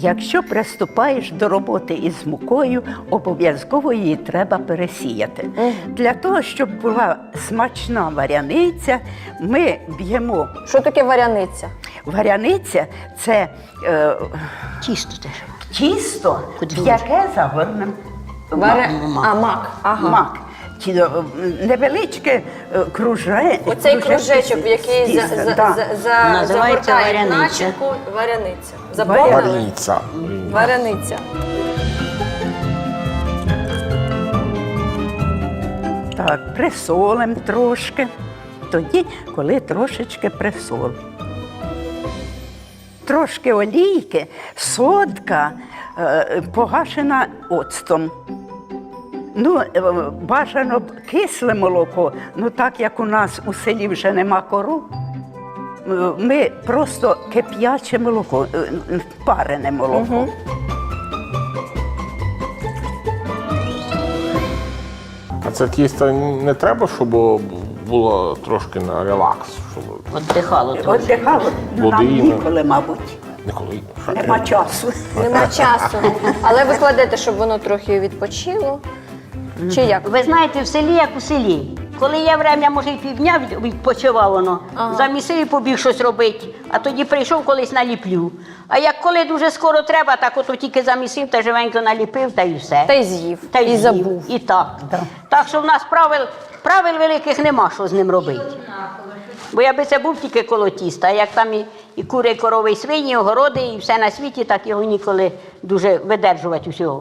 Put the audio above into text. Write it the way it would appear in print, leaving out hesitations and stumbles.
Якщо приступаєш до роботи із мукою, обов'язково її треба пересіяти. Для того, щоб була смачна варяниця, ми б'ємо. Що таке варяниця? Варяниця – це Тісто теж. тісто, Куди в яке загорнемо Мак. Ага. мак. Невеличке Оцей кружечок, в який Називається загортають варяниця. начинку, варяниця. Заповнили? Варіниця. Варяниця. Так, присолимо трошки. Тоді, коли трошечки присолимо. Трошки олійки, содка погашена оцтом. Бажано б кисле молоко, так як у нас у селі вже нема кору, ми просто кип'яче молоко, парене молоко. А це тісто не треба, щоб було трошки на релакс? Щоб... Віддихало трохи. Отдихало, нам Води, ніколи, мабуть, Ніколи. нема часу. Нема часу. Але ви кладете, щоб воно трохи відпочило. Чи як? Ви знаєте, в селі як у селі. Коли є время, може і півдня відпочивав воно, замісив і побіг щось робити, а тоді прийшов колись наліплю. А як коли дуже скоро треба, так ото тільки замісив та живенько наліпив, та й все. Та й з'їв, Та й і з'їв. забув. І так. Так що в нас правил великих нема, що з ним робити. Бо якби це був тільки коло тіста, а як там і кури, і корови, і свині, і огороди, і все на світі, так його ніколи дуже видержувати усього.